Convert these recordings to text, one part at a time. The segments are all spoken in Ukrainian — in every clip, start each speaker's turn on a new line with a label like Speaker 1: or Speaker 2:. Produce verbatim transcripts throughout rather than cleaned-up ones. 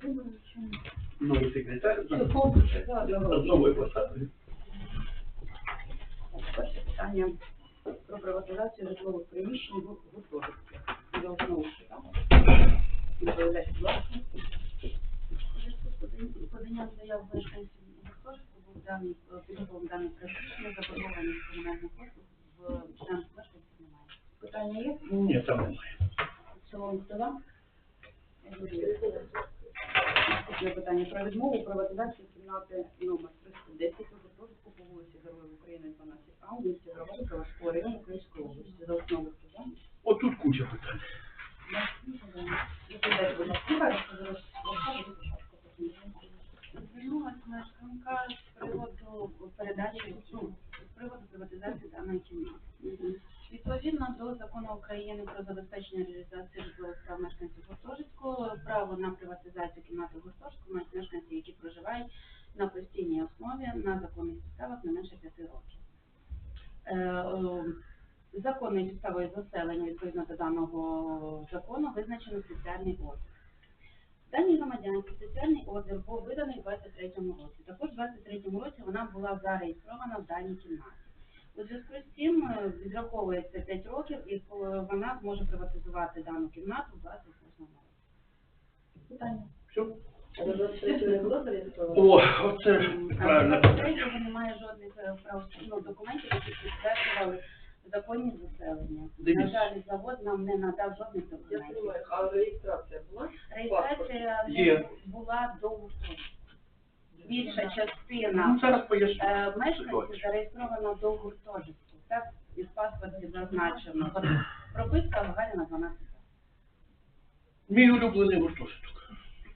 Speaker 1: Новий секретар.
Speaker 2: Все,
Speaker 1: Нової посади.
Speaker 2: перше питання про приватизацію житлових приміщень в гуртожитках. Я знову читала. Відповідайте, будь ласка. Поданням заяв мешканців гуртожитку був даний підготовлений даний проект рішення, заборгованість комунальних послуг в членах мешканців немає. Питання є?
Speaker 1: Ні, там немає.
Speaker 2: В цілому хто за? Наступне питання про відмову у приватизації кімнати номер триста десять у гуртожитку по вулиці Героїв України, дванадцять А, у місті Громади Калашського району Київської області. За основу хто за?
Speaker 1: Отут куча питань.
Speaker 2: Відповідайте, будь ласка,
Speaker 3: Звернулася мешканка з приводу передачі, ну, з приводу приватизації даної кімнати. Відповідно до закону України про забезпечення реалізації житлових прав мешканців гуртожитку, право на приватизацію кімнати гуртожитку мають мешканці, які проживають на постійній основі на законних підставах не менше п'яти років. Е, законною підставою заселення відповідно до даного закону визначено спеціальний ордер. Даній громадянці спеціальний ордер був виданий у двадцять третьому році. Також у двадцять третьому році вона була зареєстрована в даній кімнаті. У зв'язку з цим відраховується п'ять років і вона зможе приватизувати дану кімнату в двадцять восьмому році.
Speaker 2: питання.
Speaker 1: Все.
Speaker 2: А до двадцять третього не було зареєстровано?
Speaker 1: О, оце правильно.
Speaker 3: А двадцять третього немає жодних правословних документів, які підтверджували законні заселення.
Speaker 1: Дивіться.
Speaker 3: На жаль, завод нам не надав жодних
Speaker 4: Я
Speaker 3: документів.
Speaker 4: понимаю, а реєстрація була?
Speaker 3: Реєстрація
Speaker 1: Є.
Speaker 3: не була до гуртожитку. Більша частина
Speaker 1: Ну, зараз поясню.
Speaker 3: е, мешканців зареєстрована до гуртожитку. Так, і в паспорті зазначено. От прописка Гагаріна дванадцять.
Speaker 1: Мій улюблений гуртожиток.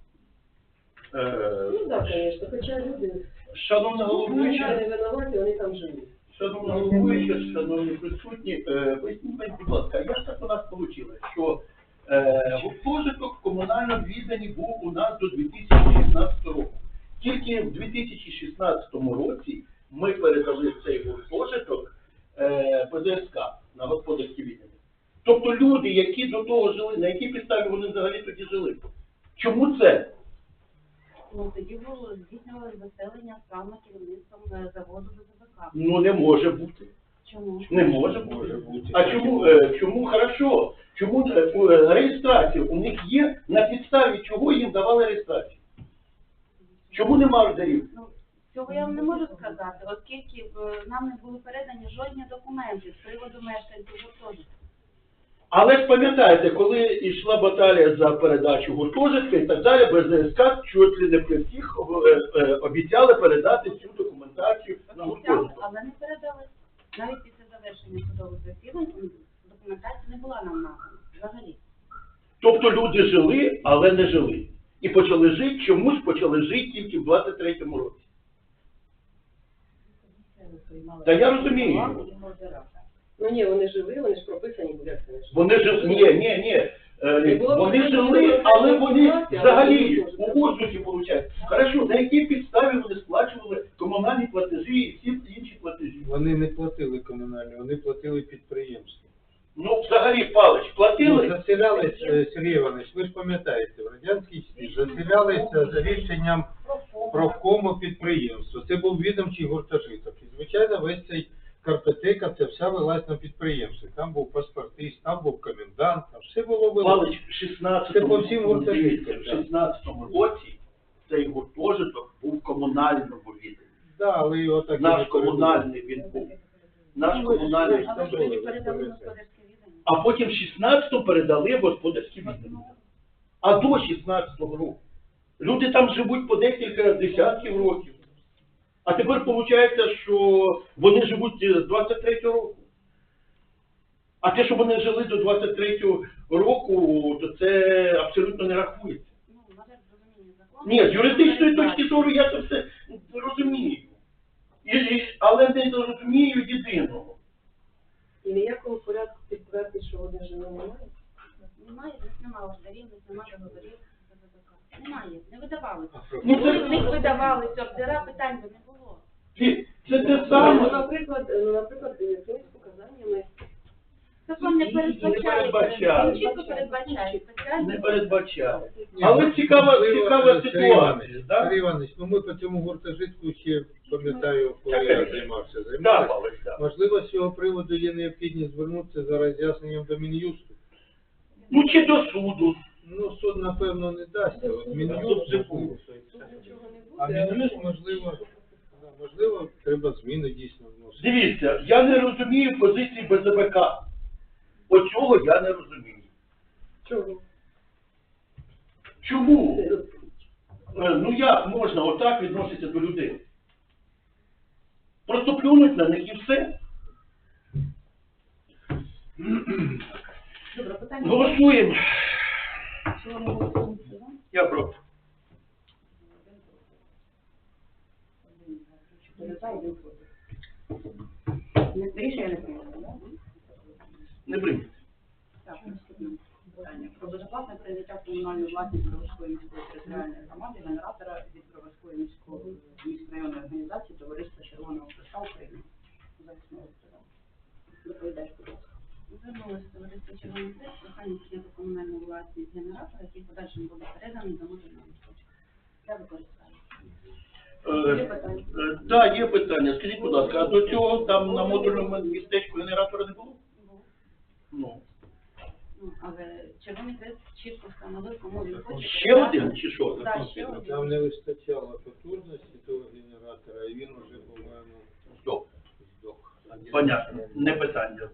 Speaker 1: Е,
Speaker 4: Ну так, звісно, хоча люди
Speaker 1: Шановна
Speaker 4: вони
Speaker 1: головуюча,
Speaker 4: не винуваті, вони там живуть.
Speaker 1: шановна головуюча, шановні присутні, е, поясніть, мені, будь ласка, як так у нас вийшло, що е, гуртожиток в комунальному відданні був у нас до дві тисячі шістнадцятого року. Тільки в дві тисячі шістнадцятому році ми передали цей гуртожиток е, Пе Де Ес Ка на господарське віддання. Тобто люди, які до того жили, на якій підставі вони взагалі тоді жили? Чому це?
Speaker 3: Ну, тоді було здійснювали заселення саме керівництвом е, заводу Де Зе Бе Ка.
Speaker 1: Ну не може бути.
Speaker 3: Чому?
Speaker 1: Не може бути. А чому, е, чому хорошо? Чому е, е, реєстрація у них є, на підставі чого їм давали реєстрацію? Чому нема ордерів?
Speaker 3: Ну, цього я вам не можу сказати, оскільки е, нам не були передані жодні документи з приводу мешканців гуртожитку.
Speaker 1: Але ж пам'ятаєте, коли йшла баталія за передачу гуртожитка і так далі, Пе Де Ес Ка чуть ли не при всіх е, е, обіцяли передати цю документацію на
Speaker 3: Обіцяли,
Speaker 1: гуртожиток.
Speaker 3: але не передали. Навіть після завершення судових засідань документація не була нам надана взагалі.
Speaker 1: Тобто люди жили, але не жили. І почали жити, чомусь почали жити тільки в двадцять третьому році. Та я розумію.
Speaker 4: Ну ні, вони жили, вони ж прописані були, як це не жили.
Speaker 1: Вони жили, ні, ні, ні. Е, Вони жили, але вони взагалі у воздусі, виходить. Хорошо, на якій підставі вони сплачували комунальні платежі і всі інші платежі?
Speaker 5: Вони не платили комунальні, вони платили підприємству.
Speaker 1: Ну, взагалі, Палич,
Speaker 5: Ну,
Speaker 1: платили?
Speaker 5: заселялись, е, Сергій Іванович, ви ж пам'ятаєте, в Радянській Сі заселялися за рішенням профкому підприємства. Це був відомчий гуртожиток. І, звичайно, весь цей картотека, це вся велась на підприємстві. Там був паспортист, там був комендант, там все було велось.
Speaker 1: Палич, в шістнадцятому,
Speaker 5: Це по всім гуртожиткам,
Speaker 1: в
Speaker 5: так.
Speaker 1: шістнадцятому році цей гуртожиток був в комунальному відданні.
Speaker 5: Да, але його так і
Speaker 1: Наш
Speaker 5: не передали.
Speaker 1: комунальний він був. Наш комунальний.
Speaker 3: Але ж тоді передали на господарське віддання.
Speaker 1: А потім в шістнадцятому передали в господарські віддання. А до шістнадцятого року. Люди там живуть по декілька десятків років. А тепер виходить, що вони живуть з двадцять третього року. А те, що вони жили до двадцять третього року, то це абсолютно не рахується.
Speaker 3: Ну, на жаль, розуміння закону.
Speaker 1: Ні, з юридичної точки зору я це все розумію. І, і, але не розумію єдиного.
Speaker 4: І ніякого порядку підтвердити, що вони жили, немає?
Speaker 3: Немає, в них немає ордерів, в них немає договорів. Де Зе Бе Ка. Немає, не видавалися.
Speaker 1: Ну,
Speaker 3: Коли
Speaker 1: це-
Speaker 3: в них видавалися ордера, питань би не було.
Speaker 1: Це, це те
Speaker 4: Ну,
Speaker 1: саме.
Speaker 4: наприклад, ну, наприклад, якимись показаннями
Speaker 3: Закон не
Speaker 1: Не
Speaker 3: передбачає,
Speaker 1: передбачає.
Speaker 3: він чітко передбачає спеціальні
Speaker 1: Не передбачає.
Speaker 5: Ні,
Speaker 1: Але
Speaker 5: ну,
Speaker 1: цікава,
Speaker 5: можливо,
Speaker 1: цікава
Speaker 5: Сергій
Speaker 1: ситуація,
Speaker 5: Іванович,
Speaker 1: да?
Speaker 5: Сергій Іванович, ну ми по цьому гуртожитку ще, пам'ятаю, коли
Speaker 1: Так,
Speaker 5: я
Speaker 1: так.
Speaker 5: займався,
Speaker 1: Да,
Speaker 5: займався.
Speaker 1: Павлович, да.
Speaker 5: Можливо, з цього приводу є необхідність звернутися за роз'ясненням до Мін'юсту.
Speaker 1: Ну, чи до суду.
Speaker 5: Ну, суд, напевно, не дасть, а от
Speaker 1: Суд
Speaker 5: Мін'юст,
Speaker 1: вже був.
Speaker 4: Нічого не буде.
Speaker 5: а Мін'юст, можливо, да, можливо, треба зміни дійсно вносити.
Speaker 1: Дивіться, я не розумію позиції Б З Б К. Оцього я не розумію.
Speaker 4: Чого?
Speaker 1: Чому? Е, Ну як можна отак відноситися до людей? Просто плюнуть на них і все.
Speaker 2: Добре, питання.
Speaker 1: Голосуємо.
Speaker 2: В цілому голосуємо за.
Speaker 1: Я проти.
Speaker 2: Чотири за, один проти. Не- Рішення не прийнято, так?
Speaker 1: Не прийняти.
Speaker 2: Так, наступне питання. Про безоплатне прийняття в комунальну власність Броварської міської територіальної громади генератора від Броварської міської міськрайонної організації Товариства Червоного Хреста України. За основу подав. Доповідач, будь ласка.
Speaker 3: Звернулося товариство Червоний Хрест з проханням прийняти комунальну власність генератора, який в подальшому буде переданий до модульного містечка для використання.
Speaker 2: Є
Speaker 1: Е,
Speaker 2: питання?
Speaker 1: е, Так, є питання. Скажіть, будь ласка, а до цього там на модульному містечку генератора не було?
Speaker 3: Був.
Speaker 1: Ну.
Speaker 3: Ну, але Червоний Хрест чітко встановив, кому він хоче.
Speaker 1: Ще один чи що?
Speaker 3: Так, ще один.
Speaker 5: Там не вистачало потужності того генератора, і він вже, по-моєму,
Speaker 1: Стоп.
Speaker 5: здох.
Speaker 1: Понятно. Не питання.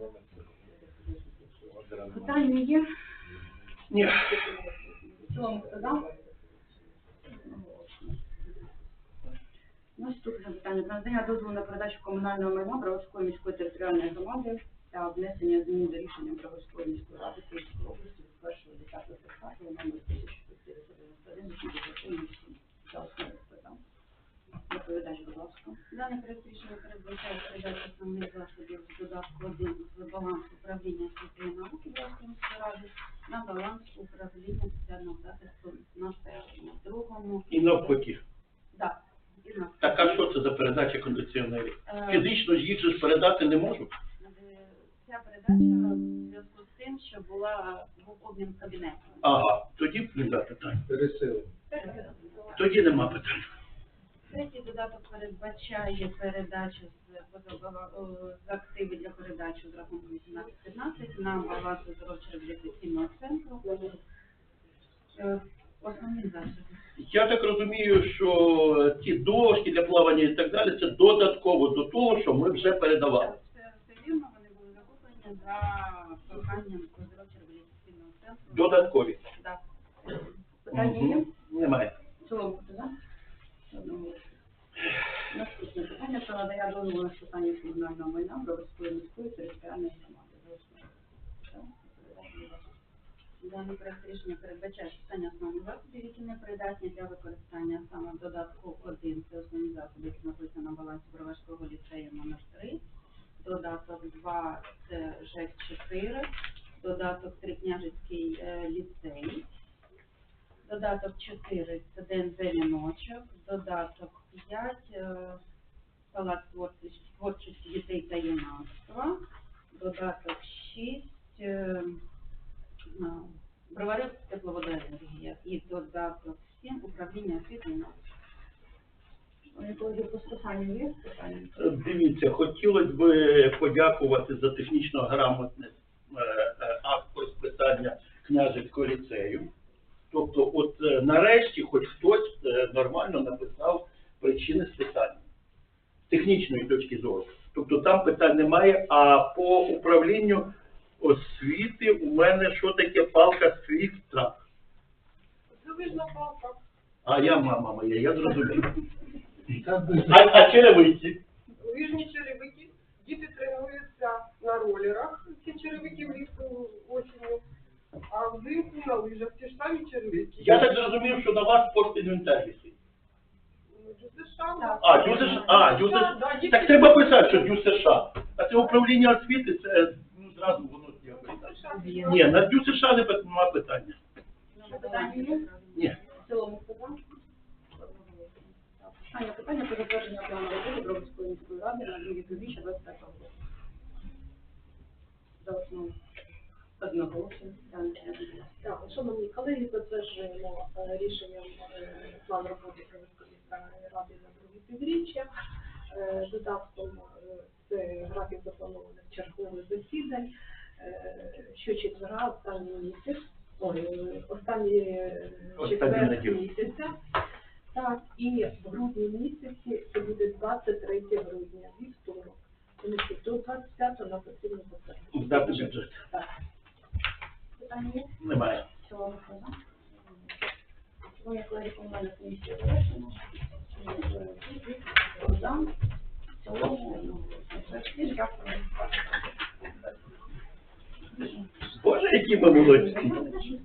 Speaker 2: Питання є?
Speaker 1: Ні.
Speaker 2: В цілому хто за? Наступне питання. Про надання дозволу на передачу комунального майна Броварської міської територіальної громади та внесення змін до рішення Броварської міської ради Київської області від першого десятого тридцятого номер тисяча чотириста дев'яносто один вісімдесят сім. За основу питань. Доповідач, будь ласка.
Speaker 3: Дане проект рішення передбачає передачу основних засобів з додатку один з балансу управління освіти і науки Броварської міської ради на баланс управління соціального захисту населення. В другому,
Speaker 1: І навпаки.
Speaker 3: так, і на
Speaker 1: Так а що це за передача кондиціонерів?
Speaker 3: Е,
Speaker 1: Фізично їх же ж передати не можу.
Speaker 3: Е, Ця передача в зв'язку з тим, що була був обмін кабінетом.
Speaker 1: Ага, тоді нема питань.
Speaker 5: пересилення.
Speaker 1: Тоді нема питань.
Speaker 3: Третій додаток передбачає передачу з, позабала- о, з активи для передачі з рахунку вісімнадцять п'ятнадцять на баланс оздоровчо-реабілітаційного центру. Е, Основні засоби.
Speaker 1: Я так розумію, що ті дошки для плавання і так далі, це додатково до того, що ми вже передавали.
Speaker 3: Так, Це все вірно, вони були закуплені за проханням оздоровчо-реабілітаційного центру.
Speaker 1: Додаткові.
Speaker 3: Так.
Speaker 2: Питання є?
Speaker 1: Мгм. Немає.
Speaker 2: В цілому хто за? Одного. Наступне питання про надання дозволу на списання комунального майна Броварської міської територіальної громади. За основу. Так, доповідач, будь ласка.
Speaker 3: Даний проект рішення передбачає списання основних засобів, які не придатні для використання саме в додатку один. Це основні засоби, які знаходяться на балансі Броварського ліцею номер три. Додаток два – це ЖЕК чотири. Додаток три – Княжицький е, ліцей. Додаток чотири – це ДНЗ «Віночок». Додаток п'ять е, – Палац творчості, творчості дітей та юнацтва. Додаток шість е, – Бровари тепловодоенергія. І додаток сім – Управління освіти і науки.
Speaker 2: Вони коли по списанню є питання?
Speaker 1: Дивіться, хотілося б подякувати за технічно грамотний е, е, акт про списання княжицького ліцею. Тобто, от е, нарешті хоч хтось е, нормально написав причини списання з технічної точки зору. Тобто там питань немає, а по управлінню освіти у мене що таке палка свістра.
Speaker 4: Залежна палка.
Speaker 1: А я мама моя, я зрозумів.
Speaker 5: Так би,
Speaker 1: А, а черевиці?
Speaker 4: Лижні черевики. Діти тренуються на ролерах, ці черевики влітку осінню, а взимку на лижах ті ж самі черевики.
Speaker 1: Я так зрозумів, що на вас спортінвентар висить.
Speaker 4: Ну, Дю США.
Speaker 1: А, Дю США, а, Дю США. Так треба писати, що Дю США. А це управління освіти, це ну, зразу воно якось. Ні, на Дю США не пи- нема питання.
Speaker 2: Питання є?
Speaker 1: Ні.
Speaker 2: В цілому хто за? Останнє питання про затвердження плану роботи Броварської міської ради на другий півріччя двадцять п'ятого року. За основу.
Speaker 6: Шановні колеги, затверджуємо е, рішенням е, план роботи Київської міської ради на друге півріччя. Е, Додатком е, це графік запланованих чергових засідань. Е, Щочетверга, останній місяць, ой, е, останній е,
Speaker 1: Останню
Speaker 6: четвер
Speaker 1: неділю.
Speaker 6: місяця. Так, і в грудні місяці це буде двадцять третє грудня, вівторок. Тому що до двадцять п'ятого нам потрібно затвердити.
Speaker 1: Здати бюджет.
Speaker 6: Так.
Speaker 2: Питання є?
Speaker 1: Немає.
Speaker 2: Цього за. Шановні колеги, комунальна комісія завершена. Хто за? В цілому, ну, всім дякую.
Speaker 1: Боже, які ми молодці.